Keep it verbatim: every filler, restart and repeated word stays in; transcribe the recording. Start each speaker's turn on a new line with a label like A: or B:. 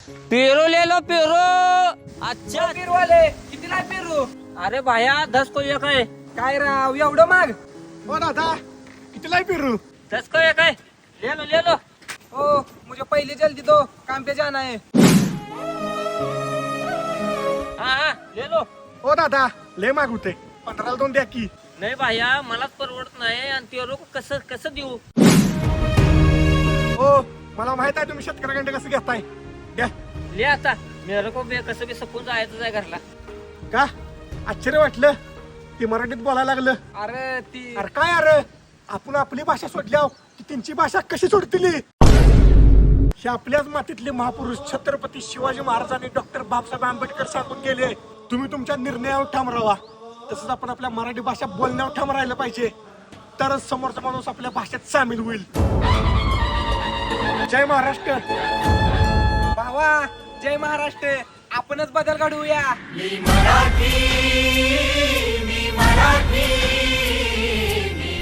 A: पेरू ले लो पेरू. अच्छा
B: पेरू वाले कितीला आहे पेरू?
A: अरे भाया दस को एक आहे.
B: काय राव एवढं माग?
C: हो दादा कितीला आहे पेरू?
A: दस को एक आहे. ले लो ले लो.
B: ओ मुझे पहिले जल्दी दो, काम पे जाना है.
A: हा हा ले लो.
C: हो दादा लय माग होते, पंधराला दोन द्या की.
A: नाही भाया मलाच परवडत नाही आणि पेरू कसं कसं देऊ.
C: हो मला माहित आहे तुम्ही शेतकऱ्याकडे कसं घेताय. द्या.
A: ले आता मेरे को बे कसं बी सपून जायचं आहे घरला.
C: का आश्चर्य वाटलं ते मराठीत बोलायला लागलं.
B: अरे ती
C: अरे काय अरे आपण आपली भाषा सोडल्याव की त्यांची भाषा कशी सोडतील. हे आपल्याच मातीतले महापुरुष छत्रपती शिवाजी महाराज आणि डॉक्टर बाबासाहेब आंबेडकर सांगून गेले, तुम्ही तुमच्या निर्णयावर ठाम राहा. तसंच आपण आपल्या मराठी भाषा बोलण्यावर ठाम राहिलं पाहिजे, तरच समोरचा माणूस आपल्या भाषेत सामील होईल. जय महाराष्ट्र.
B: भावा जय महाराष्ट्र. आपणच बदल घडवूया.
D: मी मराठी